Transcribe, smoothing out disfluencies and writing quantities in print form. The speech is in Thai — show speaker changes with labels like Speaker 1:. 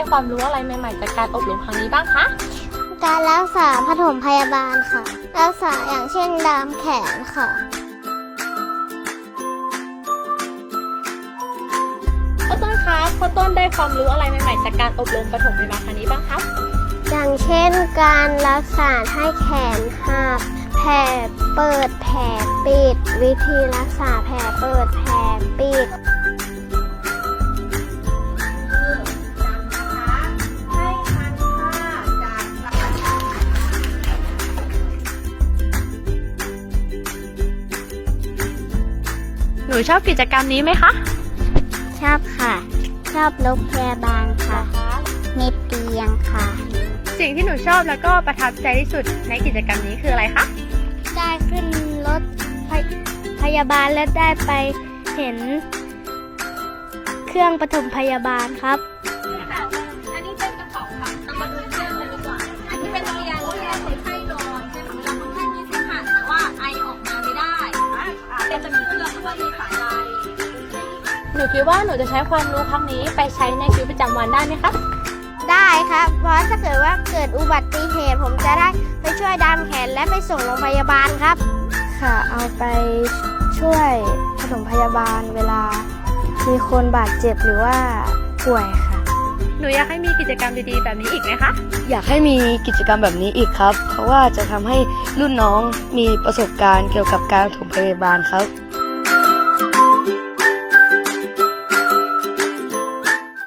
Speaker 1: ความรู้อะไรใหม่ๆจากการอบรมครั้งนี้บ้างคะ
Speaker 2: การรักษาปฐมพยาบาลค่ะ รักษาอย่างเช่นดามแขนค่ะ
Speaker 1: ข้าวต้นคะข้าวต้นได้ความรู้อะไรใหม่ๆจากการอบรมปฐมพยาบาลครั้งนี้บ้างครับ
Speaker 2: อย่างเช่นการรักษาให้แขนหักแผลเปิดแผลปิด วิธีรักษาแผลเปิดแผลปิด
Speaker 1: หนูชอบกิจกรรมนี้ไหมคะ
Speaker 2: ชอบค่ะ ชอบรถพยาบาลค่ะ มีเตียงค่ะ
Speaker 1: สิ่งที่หนูชอบแล้วก็ประทับใจที่สุดในกิจกรรมนี้คืออะไรคะ
Speaker 2: ได้ขึ้นรถพยาบาลและได้ไปเห็นเครื่องปฐมพยาบาลครับ
Speaker 1: อันนี้เป็นกระเป๋าค่ะเรามาดูเครื่องกันดีกว่า อันนี้เป็นเตียงที่เราคนไข้นอนใช่ไหมเวลาคนไข้มีเสมหะแต่ว่าไอออกมาไม่ได้เป็นจะมีเครื่องด้วยมีสายไฟหนูคิดว่าหนูจะใช้ความรู้ครั้งนี้ไปใช้ในชีวิตประจำวันได้ไหมคะ
Speaker 2: ได้ครับ เพราะถ้าเกิดว่าเกิดอุบัติเหตุผมจะได้ไปช่วยดามแขนและไปส่งโรงพยาบาลครับ ค่ะ เอาไปช่วยปฐมพยาบาลเวลามีคนบาดเจ็บหรือว่าป่วยค่ะ
Speaker 1: หนูอยากให้มีกิจกรรมดีๆแบบนี้อีกไหมคะ
Speaker 3: อยากให้มีกิจกรรมแบบนี้อีกครับ เพราะว่าจะทำให้รุ่นน้องมีประสบการณ์เกี่ยวกับการปฐมพยาบาลครับ